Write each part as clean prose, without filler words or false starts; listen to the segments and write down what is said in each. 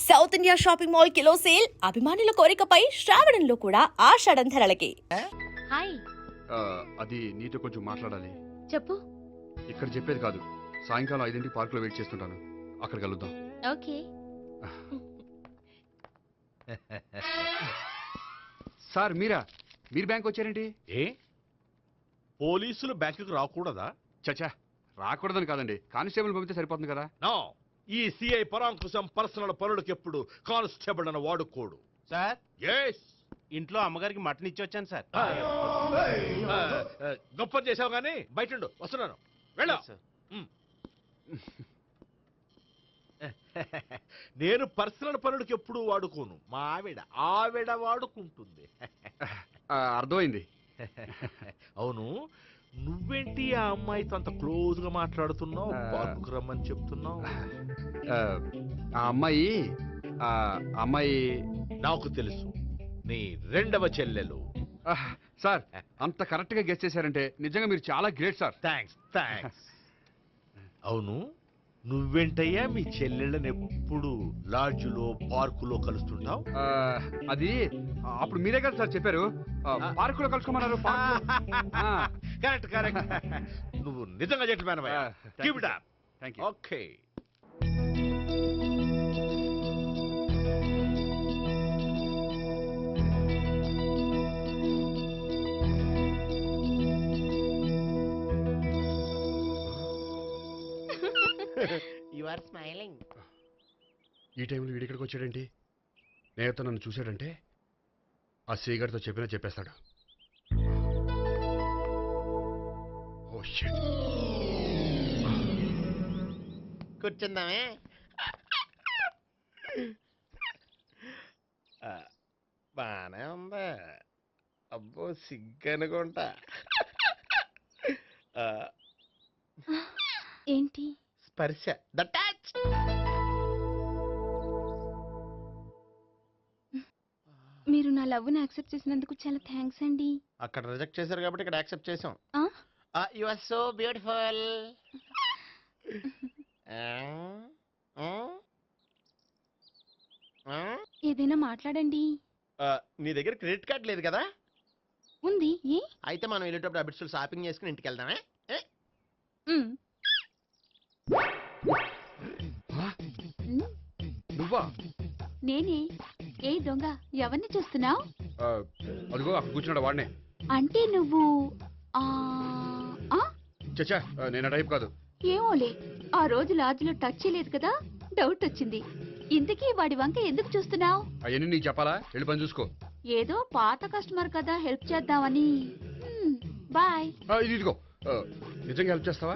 South India shopping mall kilo sale అభిమానుల కోరికపై శ్రావణంలో కూడా ఆషాఢం ధరలకి. హాయ్ అది నీతో కొంచెం మాట్లాడాలి. చెప్పు. ఇక్కడ చెప్పేది కాదు, సాయంకాలం 5 పార్కులో వెయిట్ చేస్తుంటాను, అక్కడ కలుద్దాం. ఓకే. సార్ మీరు బ్యాంక్ వచ్చారేంటి? ఏ పోలీసులు బ్యాంకుకు రాకూడదా? చచ్చా, రాకూడదని కాదండి, కానిస్టేబుల్ పంపితే సరిపోతుంది కదా. నో, ఈ సిఐ పరాంకుశం పర్సనల్ పనులకు ఎప్పుడు కానిస్టేబుల్ అని వాడుకోడు. సార్, ఎస్, ఇంట్లో అమ్మగారికి మటన్ ఇచ్చి వచ్చాను సార్. గొప్ప చేసావు గానీ బయట వస్తున్నాను, వెళ్ళా. సార్. నేను పర్సనల్ పనులకు ఎప్పుడు వాడుకోను, మా ఆవిడ వాడుకుంటుంది. అర్థమైంది. అవును, నువ్వేంటి ఆ అమ్మాయితో అంత క్లోజ్ గా మాట్లాడుతున్నావు, పార్కుకు రమ్మని చెప్తున్నావు? ఆ అమ్మాయి నాకు తెలుసు, నీ రెండవ చెల్లెలు. సార్, అంత కరెక్ట్ గా గెస్ చేశారంటే నిజంగా మీరు చాలా గ్రేట్ సార్. థ్యాంక్స్. అవును, నువ్వేంటయ్యా మీ చెల్లెళ్ళని ఎప్పుడు లాడ్జ్లో పార్కులో కలుస్తుంటావు? అది అప్పుడు మీరే కదా సార్ చెప్పారు, పార్కులో కలుసుకోమన్నారు. కరెక్ట్. నువ్వు నిజంగా gentleman. Keep it up. Thank you. Okay. You are smiling. ఈ టైంలో వీడిక్కడికి వచ్చాడేంటి? నేత నన్ను చూశాడంటే ఆ సీగారితో చెప్పేస్తాడు. Oh shit. కూర్చుందామే. బానే ఉందా? అబ్బో, సిగ్గనుకుంటా. ఏంటి? స్పర్శ, ద టచ్. మీరు నా లవ్ని యాక్సెప్ట్ చేసినందుకు చాలా థ్యాంక్స్ అండి. అక్కడ రిజెక్ట్ చేశారు కాబట్టి ఇక్కడ యాక్సెప్ట్ చేసాం. ఆ? You are so beautiful. ఏదైనా మాట్లాడండి. నీ దగ్గర క్రెడిట్ కార్డ్ లేదు కదా? ఉంది. ఏ? అయితే మనం వెళ్ళేటప్పుడు అబిట్స్ షాపింగ్ చేసుకుని ఇంటికి వెళ్దామే. మ్. నువ్వా? నేనే. ఏ దొంగ, ఎవరిని చూస్తున్నావు? అదిగో అక్కడ కూర్చున్నాడు, వాడినే. అంటే నువ్వు ఆ ఆ? చచ్చా, నేను ఆ టైప్ కాదు. ఏమోలే, ఆ రోజు లాడ్జ్లో టచ్ చేయలేదు కదా, డౌట్ వచ్చింది. ఇంతకీ వాడి వంక ఎందుకు చూస్తున్నావు? అవన్నీ నీకు చెప్పాలా? వెళ్ళి పని చూసుకో. ఏదో పాత కస్టమర్ కదా, హెల్ప్ చేద్దామని. బాయ్. ఇదిగో, నిజంగా హెల్ప్ చేస్తావా?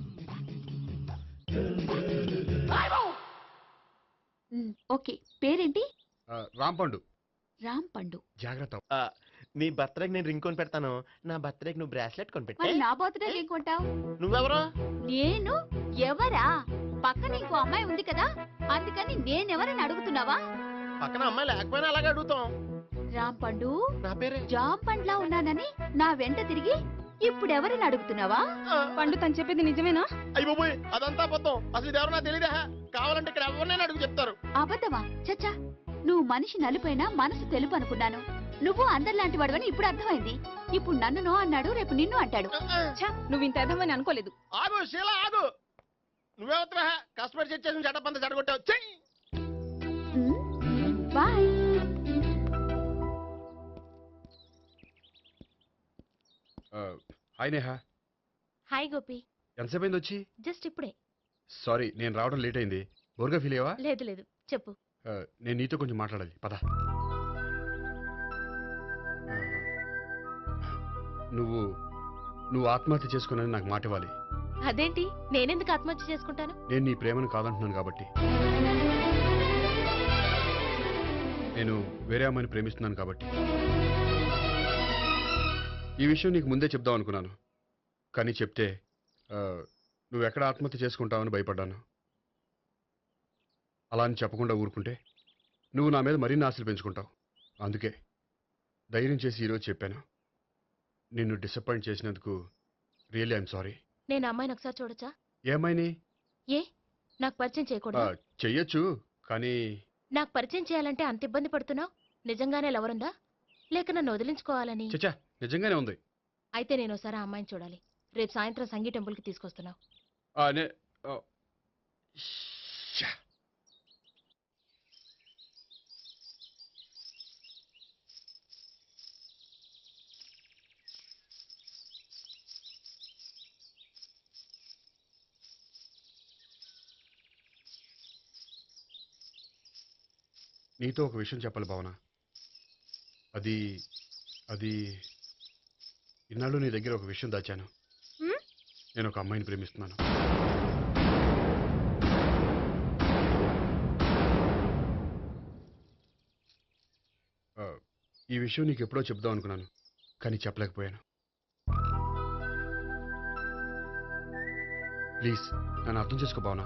ఓకే. పేరేంటి? రాంపండు. రాంపండు. జాగ్రత్త. నీ బర్త్డేకి నేను రింగ్ కొని పెడతాను, నా బర్త్డేకి నువ్వు బ్రాస్లెట్ కొని పెట్టే. మరి నా బర్త్డే ఏం కొంటావు? నువ్వెవరు? నేను ఎవరా? పక్కన ఇంకో అమ్మాయి ఉంది కదా, అందుకని నేనెవరని అడుగుతున్నావా? పక్కన అమ్మాయి లేకపోయినా అలాగే అడుగుతాం. రాంపండు, నా పేరే జామ్ పండ్లా ఉన్నానని నా వెంట తిరిగి ఇప్పుడెవరని అడుగుతున్నావా? పండు తను చెప్పేది నిజమేనా? అయ్యి బాబోయ్, అదంతా అబద్ధం. అసలు ఇది ఎవరు నాకు తెలియదా? కావాలంటే ఇక్కడ ఎవరినైనా అడుగు చెప్తారు. అబద్ధమా? చచ్చా, నువ్వు మనిషి నలుపైనా మనసు తెలుపు అనుకున్నాను. నువ్వు అందరిలాంటి వాడవని ఇప్పుడు అర్థమైంది. ఇప్పుడు నన్ను నో అన్నాడు, రేపు నిన్ను అంటాడు. నువ్వు ఇంత అర్థమని అనుకోలేదు. ఆగు శీల, ఆగు. నువ్వెవరా? కస్టమర్ చెక్ చేసి చెడ్డ పంత చెడగొట్టావు. చెయ్యి. Bye. Hi Neha. Hi Gopi. ఎంతసేపు అయింది వచ్చి? జస్ట్ ఇప్పుడే. సారీ, నేను రావడం లేట్ అయింది. బోర్గా ఫీల్ అయ్యావా? లేదు, చెప్పు. నేను నీతో కొంచెం మాట్లాడాలి, పద. నువ్వు ఆత్మహత్య చేసుకున్నానని నాకు మాట ఇవ్వాలి. అదేంటి, నేనెందుకు ఆత్మహత్య చేసుకుంటాను? నేను నీ ప్రేమను కాదంటున్నాను కాబట్టి. నేను వేరే అమ్మాయిని ప్రేమిస్తున్నాను కాబట్టి. ఈ విషయం నీకు ముందే చెప్దాం అనుకున్నాను, కానీ చెప్తే నువ్వెక్కడ ఆత్మహత్య చేసుకుంటావని భయపడ్డాను. అలా అని చెప్పకుండా ఊరుకుంటే నువ్వు నా మీద మరిన్ని ఆశలు పెంచుకుంటావు. అందుకే ధైర్యం చేసి ఈరోజు చెప్పాను. నిన్ను డిసప్పాయింట్ చేసినందుకు రియల్లీ ఐఎమ్ సారీ. నేను అమ్మాయిని ఒకసారి చూడొచ్చా? ఏ అమ్మాయిని? ఏ, నాకు పరిచయం చేయకూడదా? చెయ్యొచ్చు, కానీ నాకు పరిచయం చేయాలంటే అంత ఇబ్బంది పడుతున్నావు? నిజంగానే లవరుందా లేక నన్ను వదిలించుకోవాలని? చచ్చా, నిజంగానే ఉంది. అయితే నేను ఒకసారి ఆ అమ్మాయిని చూడాలి. రేపు సాయంత్రం సంగీ టెంపుల్కి తీసుకొస్తున్నావు. ఆ, నే- ఆ, శ్శా. నీతో ఒక విషయం చెప్పాలి భావన. అది అది ఇన్నాళ్ళు నీ దగ్గర ఒక విషయం దాచాను. హ్మ్? నేను ఒక అమ్మాయిని ప్రేమిస్తున్నాను. ఆ, ఈ విషయం నీకు ఎప్పుడో చెప్దాం అనుకున్నాను, కానీ చెప్పలేకపోయాను. ప్లీజ్ నన్ను అర్థం చేసుకో భావన.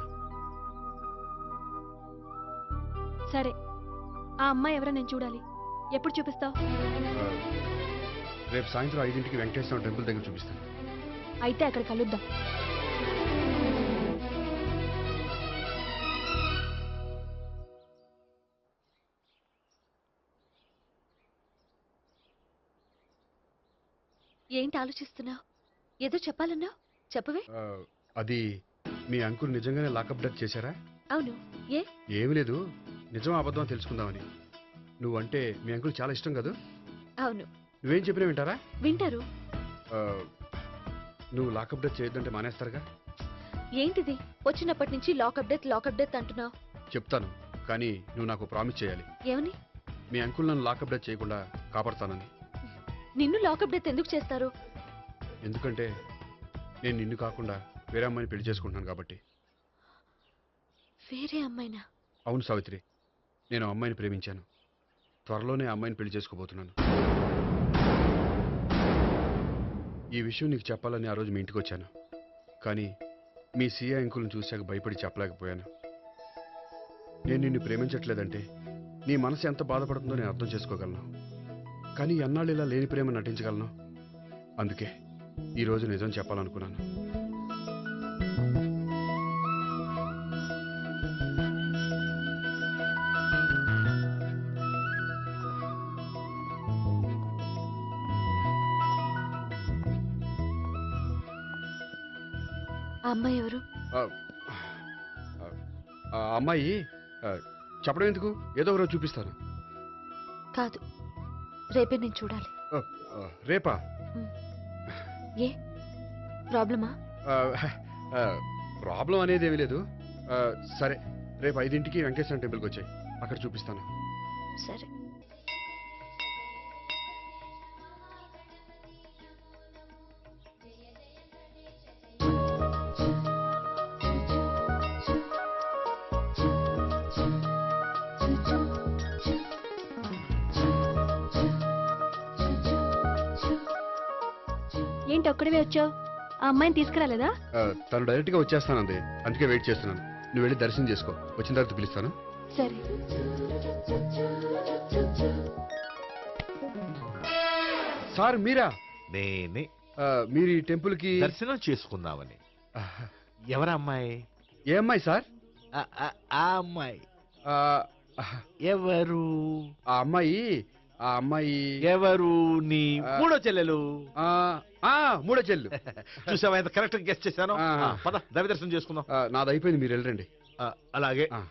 సరే, ఆ అమ్మాయి ఎవరో నేను చూడాలి. ఎప్పుడు చూపిస్తావు? ఆ, రేపు సాయంత్రం 5ంటికి వెంకటేశ్వర టెంపుల్ దగ్గర చూపిస్తాను. అయితే అక్కడ కలుద్దాం. ఏంటి ఆలోచిస్తున్నావు? ఏదో చెప్పాలన్నావు, చెప్పవే. ఆ, అది మీ అంకుల్ నిజంగానే లాకప్ డెత్ చేశారా? అవును. ఏ? ఏమీ లేదు, నిజం అబద్ధం అని తెలుసుకుందామని. నువ్వంటే మీ అంకుల్ చాలా ఇష్టం కదా. అవును, నువ్వేం చెప్పినా వింటారా? వింటారు. ఆ, నువ్వు లాకప్ డెత్ చేయొద్దంటే మానేస్తారుగా. ఏంటిది వచ్చినప్పటి నుంచి లాకప్ డెత్ అంటున్నావు? చెప్తాను, కానీ నువ్వు నాకు ప్రామిస్ చేయాలి. ఏమని? మీ అంకుల్ నన్ను లాకప్ డెత్ చేయకుండా కాపాడుతానని. నిన్ను లాకప్ డెత్ ఎందుకు చేస్తారు? ఎందుకంటే నేను నిన్ను కాకుండా వేరే అమ్మాయిని పెళ్లి చేసుకుంటున్నాను కాబట్టి. వేరే అమ్మాయినా? అవును సావిత్రి, నేను ఆ అమ్మాయిని ప్రేమించాను. త్వరలోనే ఆ అమ్మాయిని పెళ్లి చేసుకోబోతున్నాను. ఈ విషయం నీకు చెప్పాలని ఆ రోజు మీ ఇంటికి వచ్చాను, కానీ మీ సీఏ అంకుల్ని చూశాక భయపడి చెప్పలేకపోయాను. నేను నిన్ను ప్రేమించట్లేదంటే నీ మనసు ఎంత బాధపడుతుందో నేను అర్థం చేసుకోగలను, కానీ ఎన్నాళ్ళు ఇలా లేని ప్రేమ నటించగలను? అందుకే ఈరోజు నిజం చెప్పాలనుకున్నాను. ఆ అమ్మాయి ఎవరు? ఆ, ఆ, ఆ అమ్మాయి ఆ, చెప్పడం ఎందుకు, ఏదో ఒకరోజు చూపిస్తాను. కాదు, రేపే నేను చూడాలి. ఆ, ఆ, రేపా? ఏ ప్రాబ్లమా? ఆ, ఆ, ప్రాబ్లం అనేది ఏమీ లేదు. ఆ, సరే, రేపు 5ంటికి వెంకటేశ్వర టెంపుల్కి వచ్చాయి, అక్కడ చూపిస్తాను. సరే. ఏంటి ఒక్కడివే వచ్చావు? ఆ అమ్మాయిని తీసుకురాలేదా? ఆ, తను డైరెక్ట్గా వచ్చేస్తానంది, అందుకే వెయిట్ చేస్తున్నాను. నువ్వు వెళ్ళి దర్శనం చేసుకో, వచ్చిన తర్వాత పిలుస్తాను. సరే. సార్ మీరా? నేనే ఆ, మీరు ఈ టెంపుల్కి దర్శనం చేసుకుందామని. ఎవరా అమ్మాయి? ఏ అమ్మాయి సార్? ఆ అమ్మాయి ఆ, ఎవరు? ఆ అమ్మాయి ఎవరు? నీ మూడో చెల్లెలు. ఆ, ఆ, మూడో చెల్లు. చూసావా ఎంత కరెక్ట్ గెస్ట్ చేశాను. ఆ. పద దైవ దర్శనం చేసుకుందాం. ఆ, నాది అయిపోయింది, మీరు వెళ్ళండి. అలాగే. ఆ.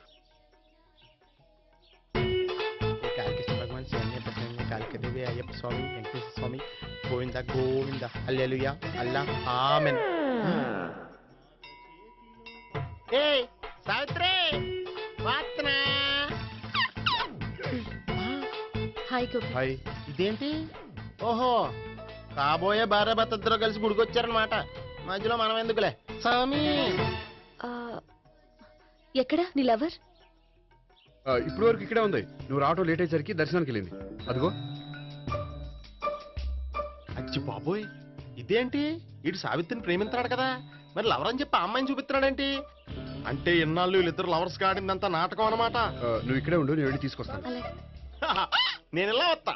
కాళికేశ్వర భగవాన్ శరణ్య Prasanna Kalikadevi Ayyappa Swamy Venkateswara Swamy Govinda Govinda hallelujah Allah amen. ఏయ్ సావిత్రి, వాత్నా. హాయ్ గోపి. హాయ్. ఇదేంటి? ఓహో, కాబోయే భార్య భర్త ఇద్దరు కలిసి గుడికొచ్చారనమాట. మధ్యలో మనం ఎందుకులే స్వామి. ఆ, ఎక్కడ నీ లవర్? ఇప్పటి వరకు ఇక్కడే ఉంది. నువ్వు రావటం లేట్ అయ్యేసరికి దర్శనానికి వెళ్ళింది. అదిగో. అచ్చి బాబోయ్, ఇదేంటి? ఇటు సావిత్రిని ప్రేమిస్తున్నాడు కదా, మరి లవర్ అని చెప్పి ఆ అమ్మాయిని చూపిస్తున్నాడేంటి? అంటే ఇన్నాళ్ళు వీళ్ళిద్దరు లవర్స్ కాడిందంతా నాటకం అనమాట. నువ్వు ఇక్కడే ఉండు, నేను వెళ్ళి తీసుకొస్తాను. అలాగే. నేను ఇలా వస్తా.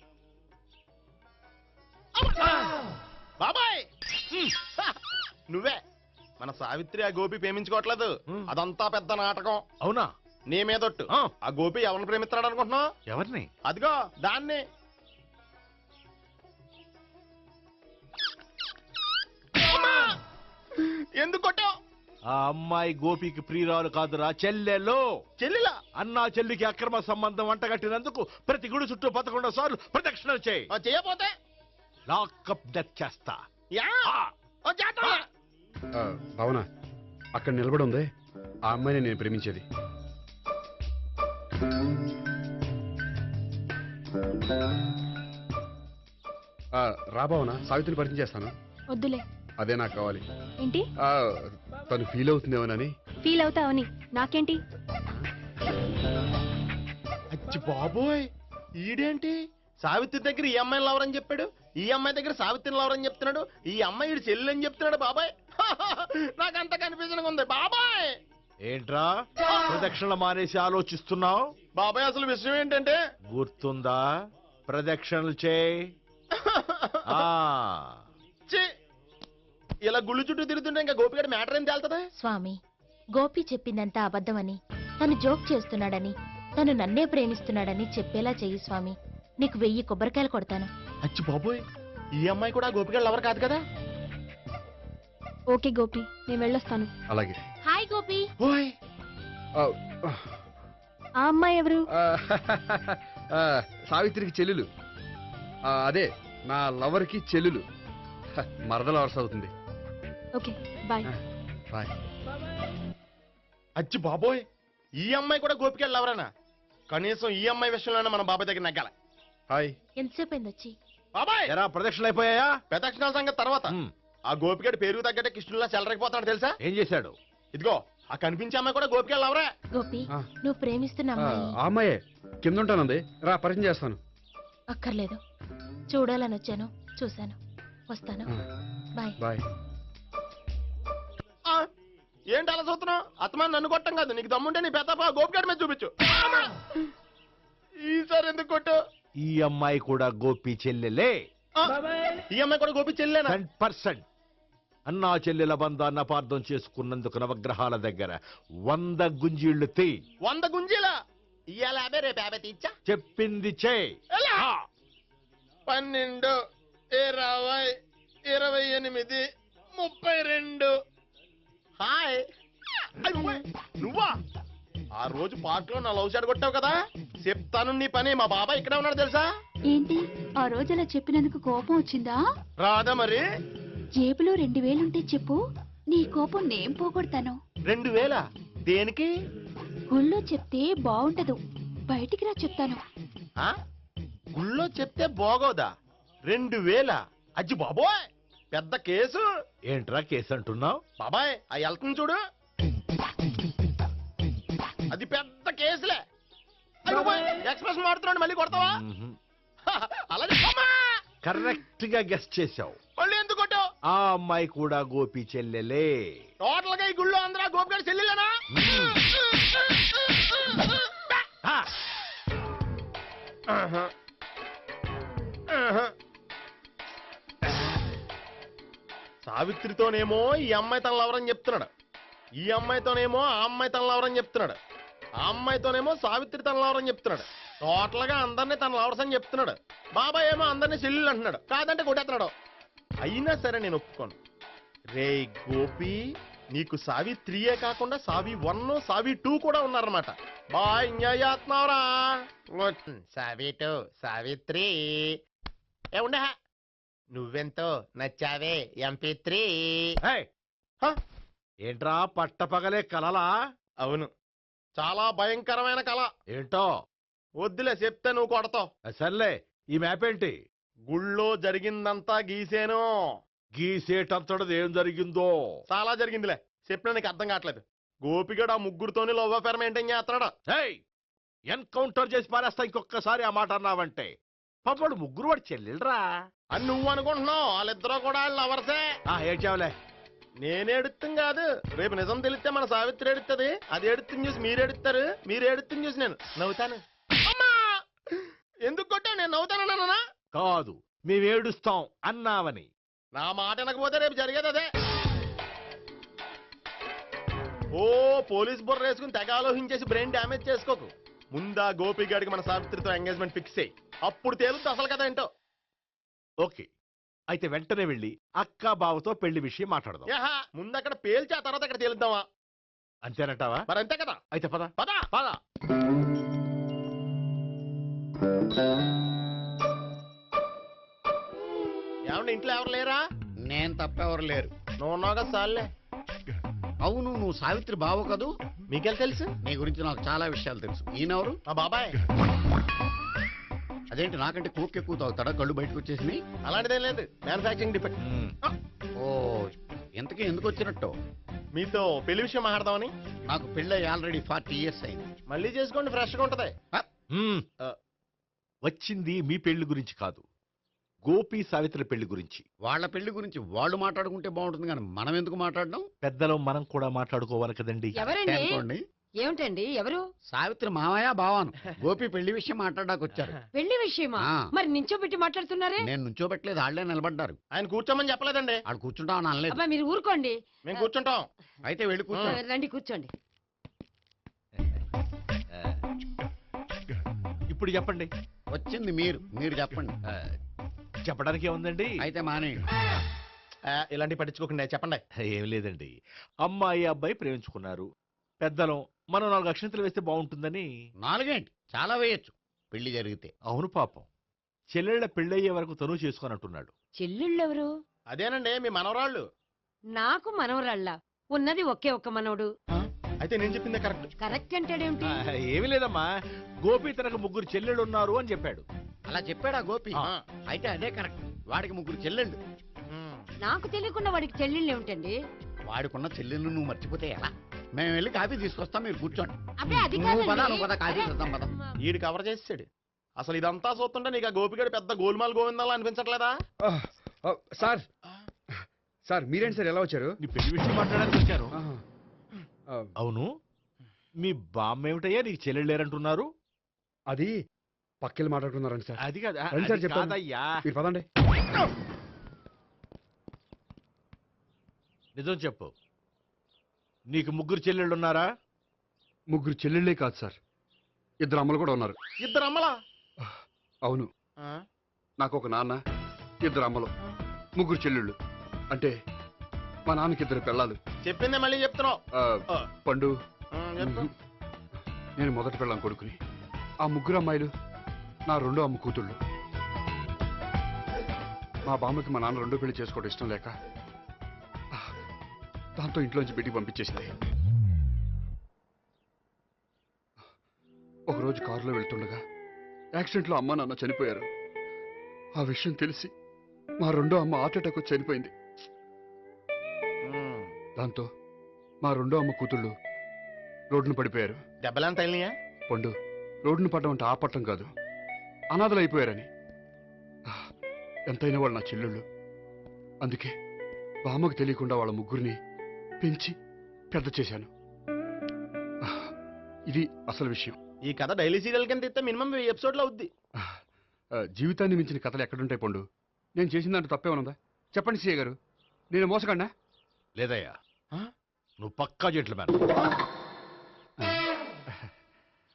బాబాయ్, నువ్వే మన సావిత్రి ఆ గోపి ప్రేమించుకోవట్లేదు, అదంతా పెద్ద నాటకం. అవునా? నీ మీదొట్టు ఆ. ఆ గోపి ఎవరిని ప్రేమిస్తాడు అనుకుంటున్నావు? ఎవరిని? అదిగో దాన్ని. అమ్మా! ఎందుకు కొట్టావు? ఆ అమ్మాయి గోపికి ప్రియురాలు కాదురా, చెల్లెలు. చెల్లిలా? అన్నా చెల్లికి అక్రమ సంబంధం వంటగట్టినందుకు ప్రతి గుడి చుట్టూ 11 సార్లు ప్రదక్షిణలు చేయి. చేయపోతే లాకప్ డెత్ చేస్తా. యా ఆ! చేస్తా. భావన, అక్కడ నిలబడి ఉంది ఆ అమ్మాయిని నేను ప్రేమించేది. రా భావన, సావిత్రిని పరిచయం చేస్తాను. వద్దులే. అదే నాకు కావాలి. ఏంటి ఆ, తను ఫీల్ అవుతుందేమోనని. ఫీల్ అవుతావని నాకేంటి? అచ్చి బాబోయ్, ఈడేంటి సావిత్రి దగ్గర ఈ అమ్మాయిని లవరని చెప్పాడు, ఈ అమ్మాయి దగ్గర సావిత్రిని లవరని చెప్తున్నాడు, ఈ అమ్మాయి ఈడు చెల్లి అని చెప్తున్నాడు. బాబాయ్ నాకంత కన్ఫ్యూజన్ ఉంది బాబాయ్. ఏంట్రా ప్రదక్షిణలు మానేసి ఆలోచిస్తున్నావు? బాబాయ్ అసలు విషయం ఏంటంటే గుర్తుందా? ప్రదక్షిణలు చేయి. ఆ, ఛీ, ఇలా గుళ్ళు చుట్టూ తిరుగుతుంటే ఇంకా గోపిగడ మ్యాటర్ ఏం తేలుతుందా? స్వామి, గోపి చెప్పిందంతా అబద్ధమని, తను జోక్ చేస్తున్నాడని, తను నన్నే ప్రేమిస్తున్నాడని చెప్పేలా చెయ్యి స్వామి. నీకు 1000 కొబ్బరికాయలు కొడతాను. అచ్చి బాబోయ్, ఈ అమ్మాయి కూడా గోపిగడ లవర్ కాదు కదా? ఓకే గోపి, నేను వెళ్ళొస్తాను. అలాగే. హాయ్ గోపి. ఓయ్ ఆ, ఆ అమ్మాయి ఎవరు? ఆ, ఆ, సావిత్రికి చెల్లెలు. అదే నా లవర్కి చెల్లెలు. మరద లవర్స్ అవుతుంది. Okay bye. బాయ్. అచ్చి బాబోయ్, ఈ అమ్మాయి కూడా గోపిగడ లవరేనా? కనీసం ఈ అమ్మాయి విషయంలోనే మన బాబాయ్ దగ్గర నగ్గాల. హాయ్. ఎంతసేపు అయింది వచ్చి? బాబాయ్ ఎరా ప్రదక్షిణలు అయిపోయాయా? ప్రదక్షిణాల సంగతి తర్వాత. ఉమ్, ఆ గోపిగడ పేరు తగ్గట్టే కృష్ణులా చెలరకపోతాడు తెలుసా? ఏం చేశాడు? ఇదిగో ఆ కనిపించే అమ్మాయి కూడా గోపిగడ లవరే. గోపి, ఆ. నువ్వు ప్రేమిస్తున్న ఆ అమ్మాయి ఆ అమ్మాయే కింద ఉంటానంది. రా పరిచయం చేస్తాను. అక్కర్లేదు. చూడాలని వచ్చాను, చూశాను, వస్తాను. ఆ, బాయ్. బాయ్. ఆ, ఏంటి అలా చూస్తున్నావు? అత్తమాని నన్ను కొట్టం కాదు, నీకు దమ్ముంటే నీ పెద్ద గోపిగడ మీద చూపించు. ఈసారి ఎందుకు కొట్టు? ఈ అమ్మాయి కూడా గోపి చెల్లెలే. ఈ అమ్మాయి కూడా గోపి చెల్లేనా? 100%. అన్నా చెల్లెల బంధాన్ని అపార్థం చేసుకున్నందుకు నవగ్రహాల దగ్గర 100 గుంజీళ్లు తీ. 100 గుంజీలా? ఇవాళ 50 రేపు 50 తీచ్చా. చెప్పింది చే. 12, 20, 28, 32. హాయ్. నువ్వా? ఆ రోజు పార్క్ లో నా లవ్ షాట్ కొట్టావు కదా, చెప్తాను నీ పని. మా బాబాయ్ ఇక్కడే ఉన్నాడు తెలుసా? ఏంటి ఆ రోజు అలా చెప్పినందుకు కోపం వచ్చిందా? రాదా మరి? జేబులో 2000 ఉంటే చెప్పు, నీ కోపం నేను పోగొడతాను. 2000 దేనికి? గుళ్ళో చెప్తే బాగుంటదు, బయటికి రా చెప్తాను. ఆ? గుళ్ళో చెప్తే బాగోదా? 2000? అజ్జి బాబోయ్, పెద్ద కేసు. ఏంట్రా కేసు అంటున్నావు? బాబాయ్ ఆ వెళ్తుంది చూడు, అది పెద్ద కేసులే. ఎక్స్ప్రెస్ మారుతున్నాడు, మళ్ళీ కొడతావా? అలాగే కరెక్ట్ గా గెస్ట్ చేశావు. మళ్ళీ ఎందుకు కొట్టావు? ఆ అమ్మాయి కూడా గోపి చెల్లెలే. టోటల్ గా ఈ గుళ్ళో అందరూ గోపిగాడి చెల్లెలేనా? ఆ, ఆహా. ఆహా. సావిత్రితోనేమో ఈ అమ్మాయి తన లవరని చెప్తున్నాడు, ఈ అమ్మాయితోనేమో ఆ అమ్మాయి తన లవరని చెప్తున్నాడు, ఆ అమ్మాయితోనేమో సావిత్రి తన లవరని చెప్తున్నాడు. టోటల్ గా అందరినీ తన లవర్స్ అని చెప్తున్నాడు. బాబాయ్ ఏమో అందరినీ చెల్లెలు అంటున్నాడు, కాదంటే కొట్టేస్తున్నాడు. అయినా సరే నేను ఒప్పుకోను. రే గోపి, నీకు సావిత్రియే కాకుండా సావి 1, సావి 2 కూడా ఉన్నారన్నమాట. బాయ్ ఎంజాయ్ చేస్తున్నావురా. సావి 2, సావిత్రి. ఏ ఉండే, నువ్వెంతో నచ్చావే MP3. హే, ఏంట్రా పట్టపగలే కలలా? అవును, చాలా భయంకరమైన కళ. ఏంటో వద్దులే, చెప్తే నువ్వు కొడతావు. సర్లే, ఈ మ్యాప్ ఏంటి? గుళ్ళో జరిగిందంతా గీసేను. గీసేటంతటది ఏం జరిగిందో? చాలా జరిగిందిలే, చెప్పినా నీకు అర్థం కావట్లేదు. గోపిగడు ఆ ముగ్గురుతోని లవ్ అఫేర్ మెయింటైన్ చేస్తున్నాడు. హేయ్, ఎన్కౌంటర్ చేసి పారేస్తా ఇంకొకసారి ఆ మాట అన్నావంటే. పాపడు ముగ్గురు వాడు చెల్లెలరా అని నువ్వు అనుకుంటున్నావు, వాళ్ళిద్దరూ కూడా లవర్సే. ఏడ్చావులే. నేనేడుతుంది కాదు, రేపు నిజం తెలిస్తే మన సావిత్రి ఎడుతుంది. అది ఎడుతుంది చూసి మీరు ఎడుతారు, మీరు ఎడుతుంది చూసి నేను నవ్వుతాను. అమ్మా! ఎందుకు కొట్టావు? నేను నవ్వుతానన్నా? కాదు, మేమేడుస్తాం అన్నావని. నా మాట వినకపోతే రేపు జరిగేది అదే. ఓ పోలీస్ బుర్ర వేసుకుని తెగ ఆలోచించేసి బ్రెయిన్ డ్యామేజ్ చేసుకోకు. ముందా గోపి గారికి మన సావిత్రితో ఎంగేజ్మెంట్ ఫిక్స్ అయ్యి అప్పుడు తేలుతుంది అసలు కదా ఏంటో. ఓకే, అయితే వెంటనే వెళ్ళి అక్క బావతో పెళ్లి విషయం మాట్లాడదాం. యాహా, ముందు అక్కడ పేల్చి ఆ తర్వాత అక్కడ తేలుద్దామా? అంతేనంటావా? మరి అంతే కదా. అయితే పద పద. పద. ఏమండి ఇంట్లో ఎవరు లేరా? నేను తప్పెవరు లేరు. నువ్వు ఉన్నావు కదా సార్లే. అవును, నువ్వు సావిత్రి బావు కదూ? మీకెళ్ళి తెలుసు? నీ గురించి నాకు చాలా విషయాలు తెలుసు. ఈయనెవరు? మా బాబాయ్. అదేంటి నాకంటే కోక్ ఎక్కువ తాగుతాడా? కళ్ళు బయటకు వచ్చేసి. అలాంటిదేం లేదు, మ్యానుఫాక్చరింగ్ డిఫెక్ట్. ఓ, ఇంతకీ ఎందుకు వచ్చినట్టు? మీతో పెళ్లి విషయం మాట్లాడదామని. నాకు పెళ్ళి ఆల్రెడీ 40 years అయింది. మళ్ళీ చేసుకోండి, ఫ్రెష్ గా ఉంటది. వచ్చింది మీ పెళ్లి గురించి కాదు, గోపి సావిత్రి పెళ్లి గురించి. వాళ్ళ పెళ్లి గురించి వాళ్ళు మాట్లాడుకుంటే బాగుంటుంది, కానీ మనం ఎందుకు మాట్లాడడం? పెద్దలో మనం కూడా మాట్లాడుకోవాలి కదండి. ఎవరండి? అనుకోండి. ఏమిటండి ఎవరు? సావిత్రి మామయ్య బావాను గోపి పెళ్లి విషయం మాట్లాడడానికి వచ్చారు. పెళ్లి విషయమా? ఆ. మరి నించోబెట్టి మాట్లాడుతున్నారే? నేను నుంచోబెట్టలేదు, వాళ్ళే నిలబడ్డారు. ఆయన కూర్చోమని చెప్పలేదండి. వాళ్ళు కూర్చుంటామని అనలేదు. అబ్బా మీరు ఊరుకోండి. మేము కూర్చుంటాం. అయితే వెళ్ళి కూర్చో. రండి కూర్చోండి. ఇప్పుడు చెప్పండి. వచ్చింది మీరు చెప్పండి. చెప్పడానికి ఏముందండి? అయితే మానేయండి. ఇలాంటి పట్టించుకోకుండా చెప్పండి. ఏం లేదండి, అమ్మాయి అబ్బాయి ప్రేమించుకున్నారు. పెద్దలం మనం 4 అక్షంతలు వేస్తే బాగుంటుందని. 4 ఏంటి, చాలా వేయొచ్చు పెళ్లి జరిగితే. అవును పాపం, చెల్లెళ్ళ పెళ్ళయ్యే వరకు తను చేసుకోనంటున్నాడు. చెల్లెళ్ళెవరు? అదేనండి మీ మనవరాళ్ళు. నాకు మనవరాళ్ళ ఉన్నది ఒకే ఒక్క మనవడు. అయితే నేను చెప్పిందే కరెక్ట్. కరెక్ట్ అంటాడేమిటి? ఏమి లేదమ్మా, గోపి తనకు 3 చెల్లెళ్ళు ఉన్నారు అని చెప్పాడు. అలా చెప్పాడా గోపి? ఆ. అయితే అదే కరెక్ట్. వాడికి 3 చెల్లెళ్ళు. నాకు తెలియకుండా వాడికి చెల్లెళ్ళు ఏమిటండి? వాడికున్న చెల్లెళ్ళు నువ్వు మర్చిపోతే ఎలా? మేము వెళ్ళి కాఫీ తీసుకొస్తాం, మీరు కూర్చోండి. అబ్బే అది నువ్వు పద, కాదండి. నువ్వు పద, కాఫీ చేద్దాం పద. ఈడు కవర్ చేసాడు. అసలు ఇదంతా చూస్తుంటే నీకు ఆ గోపిగడు పెద్ద గోల్మాల్ గోవిందాలు అనిపించట్లేదా? సార్ సార్ మీరేంటి సార్ ఎలా వచ్చారు? నీ పెళ్లి విషయం మాట్లాడడానికి వచ్చాను. ఆహా. ఆ, అవును, మీ బామ్మ ఏమిటయ్యా నీకు చెల్లెళ్ళు లేరంటున్నారు? అది పక్కెళ్ళి మాట్లాడుకున్నారండి సార్. అది కాదు, రండి సార్ అది చెప్తాను. కాదయ్యా. మీరు పదండి. నిజం చెప్పు, నీకు 3 చెల్లెళ్ళు ఉన్నారా? 3 చెల్లెళ్ళే కాదు సార్, 2 అమ్మలు కూడా ఉన్నారు. ఇద్దరు అమ్మలా? అవును, నాకు ఒక నాన్న, 2 అమ్మలు, 3 చెల్లెళ్ళు. అంటే మా నాన్నకి 2 పిల్లలు. చెప్పిందే మళ్ళీ చెప్తున్నావు. పండు, చెప్పు. నేను మొదటి పెళ్ళాం కొడుకుని. ఆ 3 అమ్మాయిలు నా 2వ అమ్మ కూతుళ్ళు. మా బామ్మకి మా నాన్న 2వ పెళ్లి చేసుకోవడం ఇష్టం లేక దాంతో ఇంట్లోంచి బిడ్డికి పంపించేసింది. ఒకరోజు కారులో వెళ్తుండగా యాక్సిడెంట్లో అమ్మ నాన్న చనిపోయారు. ఆ విషయం తెలిసి మా 2వ అమ్మ హార్ట్ అటాక్ వచ్చి చనిపోయింది. దాంతో మా 2వ అమ్మ కూతుళ్ళు రోడ్డును పడిపోయారు. దెబ్బలేం తగిలినాయా? పండు, రోడ్డును పడ్డం అంటే ఆపట్టం కాదు, అనాథలు అయిపోయారని. ఎంతైనా వాళ్ళు నా చెల్లెళ్ళు. అందుకే బామ్మకు తెలియకుండా వాళ్ళ 3 పెంచి పెద్ద చేశాను. ఇది అసలు విషయం. ఈ కథ డైలీ సీరియల్ కింద ఇస్తే మినిమం 1000 ఎపిసోడ్లు అవుద్ది. జీవితాన్ని మించిన కథలు ఎక్కడుంటాయి పండు? నేను చేసిన దాంట్లో తప్పేమనుందా? చెప్పండి సీఏ గారు, నేను మోసగండా? లేదయ్యా, నువ్వు పక్కా జెంట్లమ్యాన్.